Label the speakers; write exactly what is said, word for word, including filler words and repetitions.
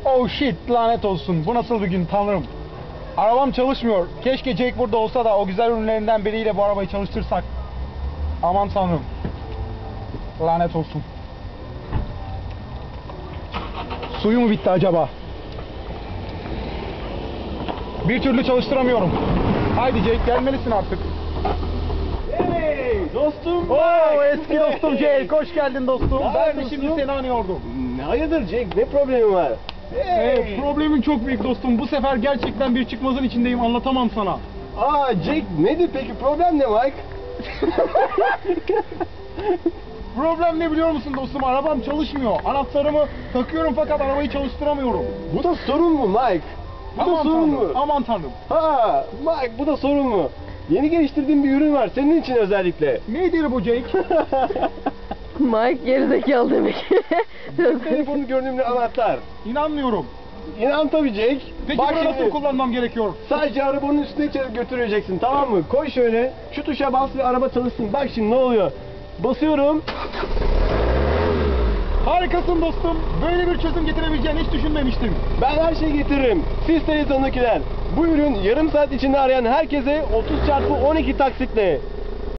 Speaker 1: Oh shit, lanet olsun. Bu nasıl bir gün tanrım. Arabam çalışmıyor. Keşke Jake burada olsa da o güzel ürünlerinden biriyle bu arabayı çalıştırsak. Aman tanrım. Lanet olsun. Suyu mu bitti acaba? Bir türlü çalıştıramıyorum. Haydi Jake, gelmelisin artık.
Speaker 2: Hey dostum.
Speaker 1: Oo, eski dostum Jake, hoş geldin dostum.
Speaker 2: Ne
Speaker 1: Ben de
Speaker 2: dostum?
Speaker 1: şimdi seni anıyordum.
Speaker 2: Hayırdır Jake, ne problemi var?
Speaker 1: Evet, problemin çok büyük dostum. Bu sefer gerçekten bir çıkmazın içindeyim, anlatamam sana.
Speaker 2: Aa Jake, nedir peki, problem ne Mike?
Speaker 1: Problem ne biliyor musun dostum? Arabam çalışmıyor. Anahtarımı takıyorum fakat arabayı çalıştıramıyorum.
Speaker 2: Bu da sorun mu Mike? Bu da
Speaker 1: Aman
Speaker 2: sorun
Speaker 1: tanrım,
Speaker 2: mu?
Speaker 1: aman tanrım.
Speaker 2: Ha Mike, bu da sorun mu? Yeni geliştirdiğim bir ürün var senin için özellikle.
Speaker 1: Nedir bu Jake?
Speaker 3: Mike gerizekalı demek.
Speaker 2: Telefonu gördüğümde anahtar.
Speaker 1: İnanmıyorum.
Speaker 2: İnan tabii Jake.
Speaker 1: Peki
Speaker 2: Bak
Speaker 1: bunu nasıl
Speaker 2: şimdi,
Speaker 1: kullanmam gerekiyor?
Speaker 2: sadece arabanın üstüne çe- götüreceksin, tamam mı? Koy şöyle, şu tuşa bas ve araba çalışsın. Bak şimdi ne oluyor? Basıyorum.
Speaker 1: Harikasın dostum. Böyle bir çözüm getirebileceğini hiç düşünmemiştim.
Speaker 2: Ben her şeyi getiririm. Siz televizyondakiler. Bu ürün yarım saat içinde arayan herkese otuz çarpı on iki taksitle.